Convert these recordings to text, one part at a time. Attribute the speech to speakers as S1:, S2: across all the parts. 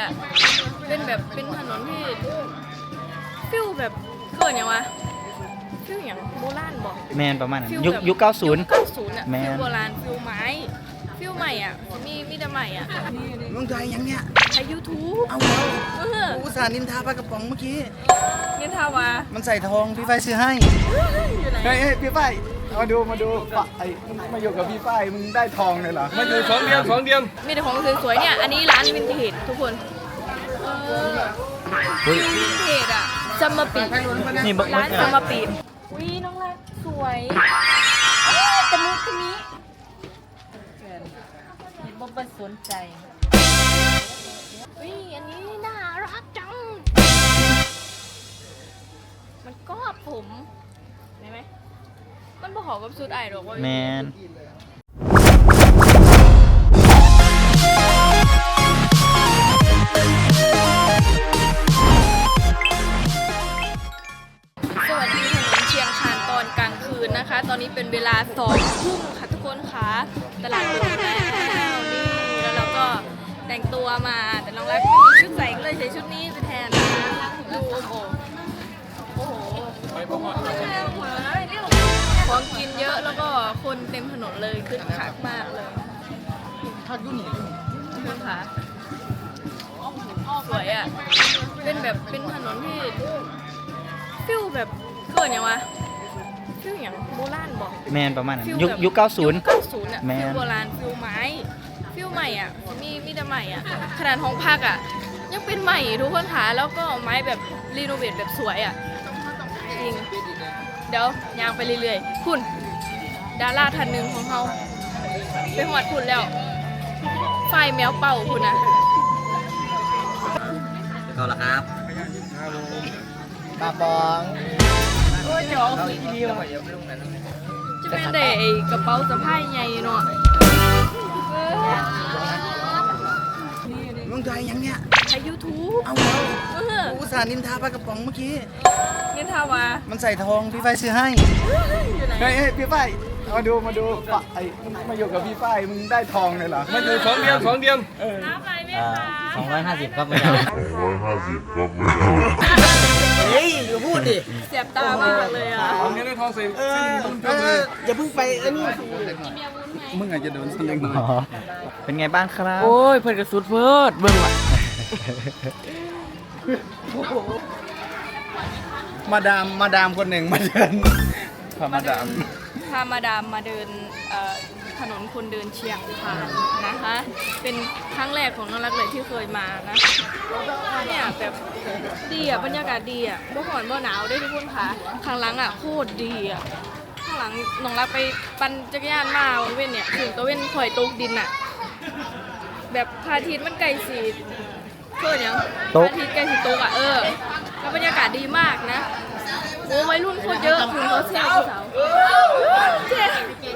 S1: อ่ะเป็นแบบเป็นถนนที่ฟิลแบบเกิดอย่างวะฟิลอย่างโบราณบอก
S2: แมนประมาณนั้น
S1: ฟิล
S2: ยุค
S1: แบบ
S2: ยุค90
S1: 90อ่ะ
S2: แม
S1: ฟิล
S2: น
S1: โบราณฟิลไม้ฟิลใหม่อ่ะมีแต่ใหม่อ่ะ
S3: มึงใจยังเนี่ย
S1: ใช้ YouTube
S3: เอาแล้ว
S1: เออ
S3: กูอุตส่าห์นินทาปลากระป๋องเมื่อกี้
S1: นี่ทาวา
S3: มันใส่ทองพี่ไฟซื้อให้
S1: อยู่ไหน
S3: เฮ้ยพี่ไฟมาดูปะไอ้มึงมาอยู่กับพี่ไฟมึงได้ทองเลยเหรอ
S4: มาอยู่สองเดือน
S1: มีแต่ของสวยๆเนี่ยอันนี้ร้านวินเทจทุกคนฟิลวินเทจอ่ะซัมเมอร์ปี
S2: นี่เบิก
S1: ร้าน
S2: กั
S1: ซัม
S2: น
S1: เมอร์ปีวิน้องรักสวยตะมุตะมิเห็นบ่เป็นสนใจวิอันนี้น่ารักจังมันก็ผมเห็นไหมมันบ่ขอกับชุดไอหรอกว่า
S2: แมน
S1: สวัสดีถนนเชียงคานตอนกลางคืนนะคะ ตอนนี้เป็นเวลา2 ทุ่มค่ะทุกคนค่ะตลาดเปิดแล้วนี่แล้วเราก็แต่งตัวมาแต่น้องรักไม่มีชุดใส่ก็เลยใช้ชุดนี้ไปแทนนะดูโอ้โหของกินเยอะแล้วก็คนเต็มถนนเลยคึกคักมากเลย
S3: ทักยุ่นหนี
S1: ทุกคนค่ะสวยอ่ะเป็นแบบเป็นถนนที่ฟิลแบบเกิดอย่างวะฟิลอย่างโบราณบอก
S2: แมนประมาณนั้น
S1: ฟิล
S2: ยุค
S1: แบบ
S2: ยุค
S1: 90
S2: 90
S1: อ่ะ
S2: แม
S1: ฟิล
S2: น
S1: โบราณฟิลไม้ฟิลใหม่อ่ะมีแต่ใหม่อ่ะขนาดห้องพักอ่ะยังเป็นใหม่ทุกคนค่ะแล้วก็ไม้แบบรีโนเวทแบบสวยอ่ะจริงเดี๋ยวยางไปเรื่อยๆคุณดาราท่านหนึ่งของเขาไปหอดคุณแล้วไฟแมวเป่าคุณนะ
S5: เอาละครับ
S3: ปลาปอง
S1: โอ้ยจอสีเดียวจะเป็นแต่ไอ้กระเป๋าสะพายใหญ่เนาะ
S3: มึงใจยังเนี่ย
S1: ใช้ YouTube
S3: เอาแล้ว
S1: เออ
S3: กูอุตส่าห์นินทาปลากระป๋องเมื่อกี้
S1: นี่ทาวา
S3: มันใส่ทองพี่ไฟซื้อให้
S1: อยู่ไหน
S3: เฮ้ยพี่ไฟมาดูปะไอ้มึงมาอยู่กับพี่ไฟมึงได้ทองเลยเหรอ
S4: มาอยู่สองเดือน
S1: น้ำอะไรไหมคะ
S2: 250ครับไม่เอา
S5: เฮ้ยอย่าพูดดิ
S1: เสียบตามากเลยอ่ะ
S4: ของนี้ได้ทองใส่
S5: อย่าเพิ่งไปอันนี้
S3: มึงอาจจะโดนสักเล็กน้อย
S2: อ๋อเป็นไงบ้างครับ
S5: โอ้ยเพิ่นกระสุดเพิ่นเบิ่งว่ะ
S3: มาดามคนหนึ่งมาเดินพามาดาม
S1: พามาดามมาเดินถนนคนเดินเชียงคานนะคะ เป็นครั้งแรกของน้องรักเลยที่เคยมานะเนี่ยแบบดีอ่ะบรรยากาศดีอ่ะบ่ร้อนบ่หนาวได้ทุกคนค่ะข้างหลังอ่ะโคตรดีอ่ะข้างหลังน้องรักไปปั่นจักรยานมาวันเว้นเนี่ยถึงตะเว้นข่อยตกดินอ่ะแบบพระอาทิตย์มันไกลสีเพื่อยังพระอาทิตย์ไกลสีตกอ่ะแล้วบรรยากาศดีมากนะโอ้วัยรุ่นโคตรเยอะคุณเขาเที่ยวสาวเจ๊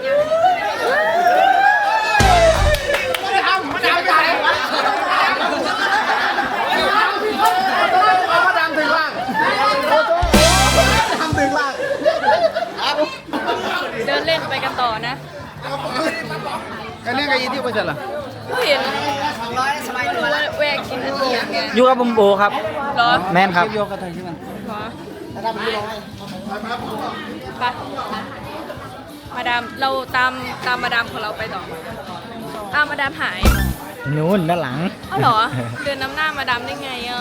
S1: เดินเล่นไปกันต่อนะ
S3: อันนี้ไงที่ไปจัดล่ะ
S1: ผู้เห็นดูว่าแวกกินอันนี้ไง
S2: อยู่กับบุมโบครับ
S1: เหรอ
S2: แมนครับ
S3: โยกกระไทยใช่ไหม
S1: เหรอไปมาดามเราตามมาดามของเราไปต่ออ้าวมาดามหาย
S2: นู้นด้านหลัง
S1: อ้าวเหรอ เดินน้ำหน้ามาดามได้ไงอ่ะ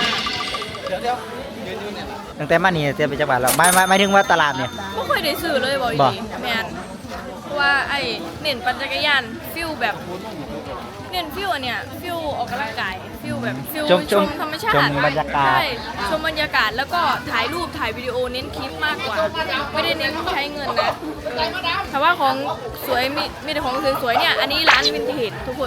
S2: ตั้งแต่มานี่เตรียมไปจังหวัดแล้วไม่ถึงว่าตลาดเนี่ย
S1: ไม่เคยได้ซื้อเลยบอก
S2: บ่
S1: ดีแมนเพราะว่าไอ้เน้นปั่นจักรยานฟิลแบบเน้นฟิลอันเนี้ยฟิลออกกำลังกายฟิลแบบฟิลชมธรรมชาติ
S2: ชมบรรยากาศ
S1: ใช่ชมบรรยากาศแล้วก็ถ่ายรูปถ่ายวิดีโอเน้นคลิปมากกว่า ไม่ได้เน้นใช้เงินนะแต่ว่าของสวยมีแต่ของสวยๆเนี่ยอันนี้ร้านวินเทจทุกคน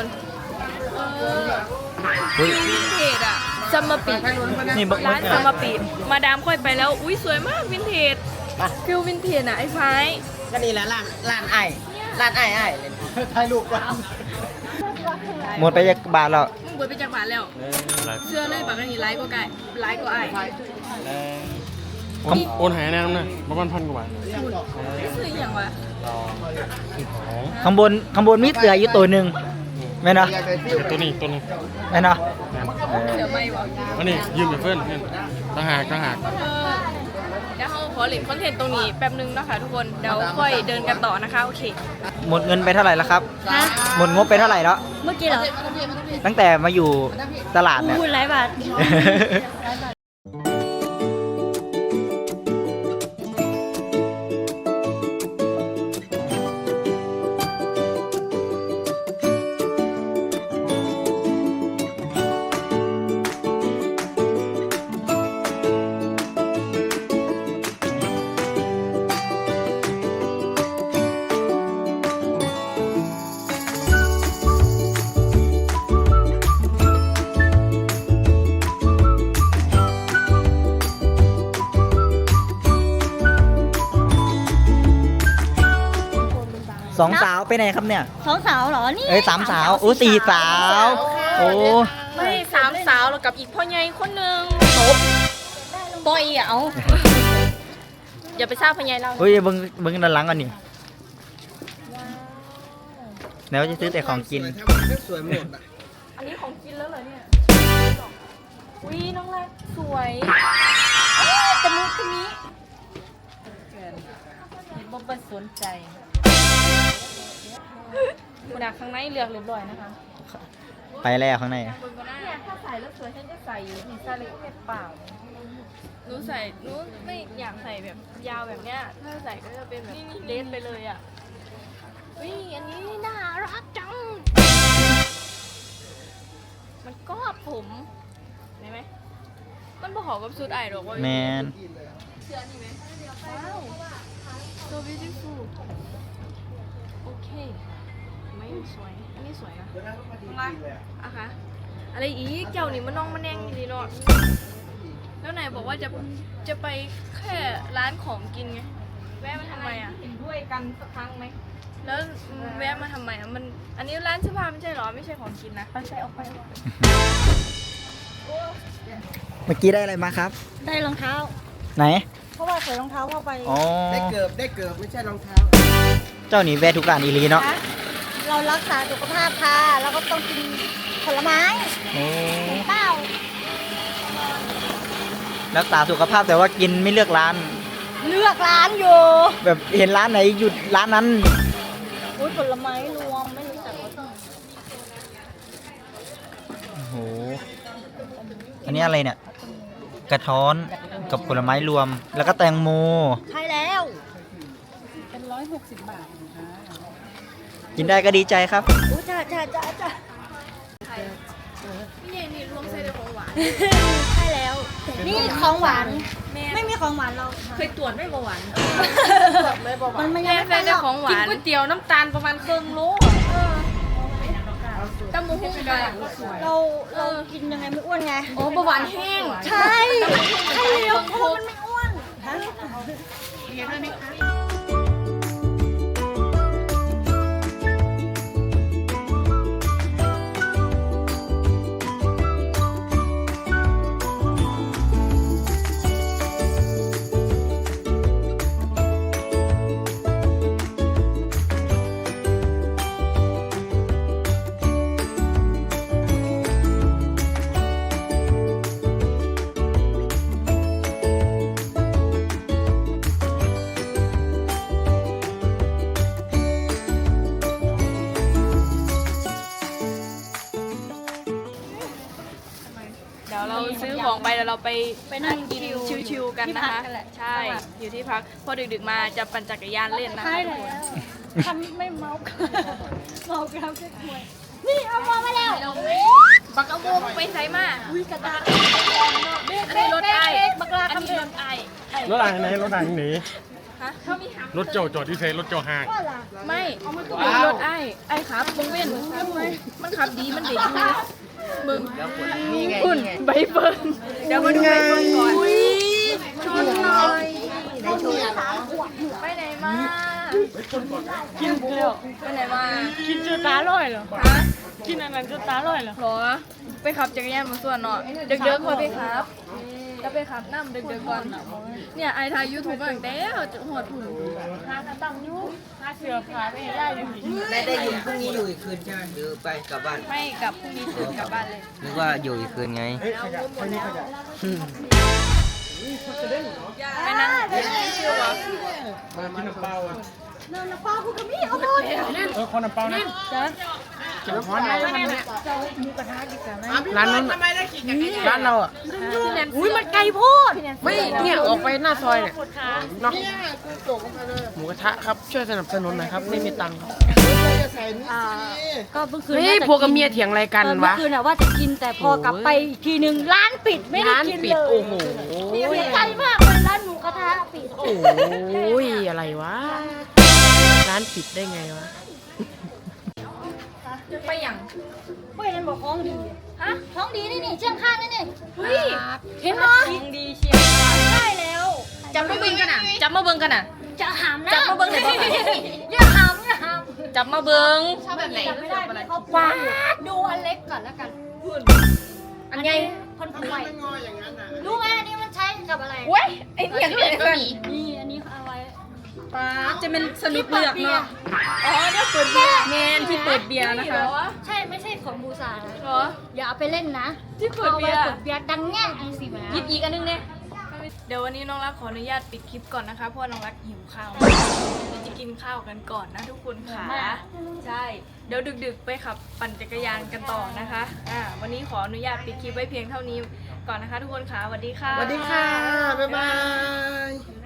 S1: ฟิลวินเทจอะซัมเมอร์ปี
S2: นี่เบิก
S1: ร้านซัมเมอร์ปีมาดามค่อยไปแล้วอุ้ยสวยมากวินเทจฟิลวินเทจอะไอ้ไฟ
S5: ก็นี่แหละร้านไอ้เลย
S3: ถ่ายรูปก่อน
S2: หมดไปจากบาทแล้ว
S1: มึงเบิดไปจากบ้านแล้วเชื่อเลยปากนี้ไลฟ์ก็ไก่ไลฟ์ก็ไอ้
S4: โอนหายแน่นอนนะประมาณ1,000 กว่าบาท
S1: ซื้ออย่างวะ
S2: ข้างบนมีเสืออยู่ตัวหนึ่งแม่นเนาะ
S3: อยากได้ฟิล
S4: ตัวนี้ตัวนึง
S2: แม่นเนาะ
S1: เดี๋ยวไม่บอก
S4: อันนี้ยืมไปเพื่อนเนี่ยต่างหาก
S1: เดี๋ยวเขาขอหลินคอนเทนต์ตรงนี้แป๊บนึงนะคะทุกคน เดี๋ยวค่อยเดินกันต่อนะคะ โอเค
S2: หมดเงินไปเท่าไหร่แล้วครับ
S6: ฮะ
S2: หมดงบไปเท่าไหร่แล้ว
S6: เมื่อกี้เหรอ
S2: ตั้งแต่มาอยู่ตลาดเนี่ย
S6: พูดหลายบาท
S2: สองสาวไปไหนครับเนี่ย
S6: สองสาวเหรอ นี่
S2: เอ้ยสามสาวโอ้สี่สาว โอ้
S1: ไม่สามสาวแล้วกับอีกพ่อใหญ่คนหนึ่งปอยอ่ะเอาอย่าไปทราบพ่อใหญ่เรา
S2: เฮ้ยเบิ้งด้านหลังก่อนนี่แล้วจะซื้อแต่ของกิน
S5: สวยหมดอ่ะ
S1: อันนี้ของกินแล้วเหรอเนี่ยอุ้ยน้องรักสวยแต่มือคนนี้บ่เป็นสนใจคุณดักข้างในเลือกเรียบร้อยนะคะ
S2: ไปแล้วข้างใน
S1: เนี่ยถ้าใส่แล้วสวยฉันจะใส่อยู่นี่ใส่เลยแค่เปล่าหนูใส่หนูไม่อยากใส่แบบยาวแบบเนี้ยถ้าใส่ก็จะเป็นแบบเลสไปเลยอ่ะอุ้ยอันนี้น่ารักจังมันก็ผมเห็นไหมมันบ่หอกับชุดไอหรอกว่า
S2: แมน
S1: เสื้อนี่ไหมว้าว so beautiful โอเคไม่สวยอันนี้สวยนะมาอะคะอะไรอีกเจ้านี่มันน้องมันแดงดีเนาะแล้วไหนบอกว่าจะไปแค่ร้านของกินไงแวะมาทำไมอ่ะเห็นด้วยกันสักครั้งไหมแล้วแวะมาทำไมอ่ะมันอันนี้ร้านเสื้อผ้าไม่ใช่หรอไม่ใช่ของกินนะไปใส่ออกไป
S2: เมื่อกี้ได้อะไรมาครับ
S6: ได้รองเท้า
S2: ไหน
S6: เพราะว่าใส่รองเท้าเข้าไป
S2: อ๋อ
S5: ได้เกือบไม่ใช่รองเท้า
S2: เจ้านี่แวะทุกร้านอีหลีเนาะ
S6: นะเรารักษาสุขภาพค่ะ เราก็ต้องกินผลไม้
S2: โอ้
S6: เห็นเปล่า
S2: รักษาสุขภาพแต่ว่ากินไม่เลือกร้าน
S6: เลือกร้านอยู่
S2: แบบเห็นร้านไหนหยุดร้านนั้น
S6: อุ้ยผลไม้รวมไม่รู้จักว่าต้อง
S2: โอ้โห อันนี้อะไรเนี่ย กระท้อนกับผลไม้รวม แล้วก็แตงโม
S6: ใช่แล้ว
S2: กินได้ก็ดีใจครับ
S6: อุ้ยจ้า
S1: นี่รวมใส่ในของหวาน
S6: ใช่แล้ว นี่ของหวาน
S1: แม่
S6: ไม่มีของหวานเรา
S1: เคยตรวจไม่เบาหวาน
S6: มันไม่
S1: แม่
S6: ยัง
S1: ใส่
S6: ไม่
S1: ใน
S6: หร
S1: ข
S6: อ
S1: อก งหวานก๋วยเตี๋ยวน้ำตาลประมาณครึ่งโลตำมูหุ้งกัน
S6: เรากินยังไงไม่อ้วนไง
S1: โอ้เบาหวานแห้ง
S6: ใช่ใช่แล้วเพราะมันไม่อ้วนฮะ
S1: เดี๋ยวเราซื้อของไปแล้วเราไป
S6: ไปนั่ง
S1: กินชิวๆกันนะคะ
S6: ที่พักกันแหละ
S1: ใช่ อยู่ที่พัก พอดึกๆมาจะปั่นจักรยานเล่นนะคะ
S6: ใช่
S1: ทุก
S6: แล้
S1: คน
S6: วทำไม่เมาเมาแล้วจะควยนี่เอามาแล้ว
S1: บักเอาโบไปใส่มา
S6: อุ้ยกระดาษ
S1: อันนี้รถไอ้
S6: บักลา
S1: อัน
S6: ทำ
S1: นี้
S6: เอ
S1: รง ถไอ้
S4: รถอะไรไหนรถอะไรหนี
S1: ฮะเขามีหัก
S4: รถเจ้าจอดที่เซรถเจ้าห่าง
S6: ว่าล่ะ
S1: ไม่มีรถไอ้ครับมึงเว้นมันขับดีมันเด็กอยู่มึงคุณใบเฟิร์นเดี๋ยวมาดูใบเฟิร์นก่อนชนหน่อยไปไหนมากินเกลียวไปไหนมา
S6: กินจนตาลอยเหรอ
S1: ฮะ
S6: กินอันนั้นจนตาลอยเหรอ
S1: หรอไปขับจักรยานมาส่วนเนาะเด็กๆพอไปครับก็ไปขับน้ำดึกๆก่อนเนี่ยไอทายยูทูบตั้งแต่หอดหุ่น
S5: ได้อยู่พรุ่งนี้อยู่อีกคืนใช่ไหมหรือไปกลับบ้าน
S1: ไม่กลับพรุ่งนี้ตื่นกลับบ้านเลย
S5: นึกว่าอยู่อีกคืนไง
S1: ไปนั่งเชื่อวะ
S4: มากินน้ำเปล่าอ่ะ
S6: นั่นนะป้าพูดกับมี่เอาไป
S4: คนน้ำเปล่านะ
S3: จะร้อนไหม
S7: ร้านนู้นร้านเราอ่ะ
S6: อุ้ยมันไกลโพด
S7: ไม่เนี่ยออกไปหน้าซอยเนี่ยเนาะหมูกระทะครับช่วยสนับสนุนหน่อยครับไม่มีตังค์ครับ
S6: ก็เมื่อคืน
S7: เฮ้ยพวกกับเมียเถียงอะไรกัน
S6: เมื่
S7: วะ
S6: อคืนอะว่าจะกินแต่พอกลับไปอีกทีหนึ่งร้านปิดไม่ได้
S7: ร้าน
S6: กิน
S7: ปิด
S6: เลย
S7: โอ้โห
S6: เสียใจมากเลยร้านหมูกระทะปิด
S7: โอ้ยอะไรวะร้านปิดได้ไงวะ
S1: ไปอย่าง
S6: เฮ้ยนั่นบอกท้องดี
S1: ฮะ
S6: ท้องดีนี่เชียงข้างนี่เฮ้ย เห็นไหม
S1: ยิงดีเชียร์
S6: ใช่แล้ว
S1: จับมาเบิ่งกันอ่ะจับมาเบิ่งกันอ่ะ
S6: จะหามนะ
S1: จับมาเบิ่งให้พ่อหน่อย
S6: อย่าหามอย่าหาม
S1: จับมาเบิ่ง
S6: ชอบแบบไหนไม่ได้พี่เขาปาดดูอันเล็กก่อนแล้วกัน
S1: อันไง
S6: คนทำไมรู้ไหมอันนี้มันใช้กับอะไร
S1: เว้ยไอ้นี่อย่างนี้ก็มี
S6: นี่อันนี้เอาไว้
S1: ป้าจะเป็นสนุกเลือกเนาะอ๋อเนี่ยเปิดเบียร์แมนที่เปิดเบียร์นะคะ
S6: ใช่ไม่ใช่ของบูซานะ
S1: เหรอ
S6: อย่าเอาไปเล่นนะ
S1: ที่เปิดเบียร์
S6: อาไว้เปิดเบียร์ดังแง่ไอ้สิมา
S1: หยิบอีกอันนึงเนี่ยเดี๋ยววันนี้น้องรักขออนุญาตปิดคลิปก่อนนะคะเพราะว่าน้องรักหิวข้าวเดี๋ยวจะกินข้าวกันก่อนนะทุกคนค่ะใช่เดี๋ยวดึกๆไปขับปั่นจักรยานกันต่อนะคะวันนี้ขออนุญาตปิดคลิปไว้เพียงเท่านี้ก่อนนะคะ ทุกคนค่ะสวัสดีค่ะ
S5: สวัสดีค่ะ บ๊ายบาย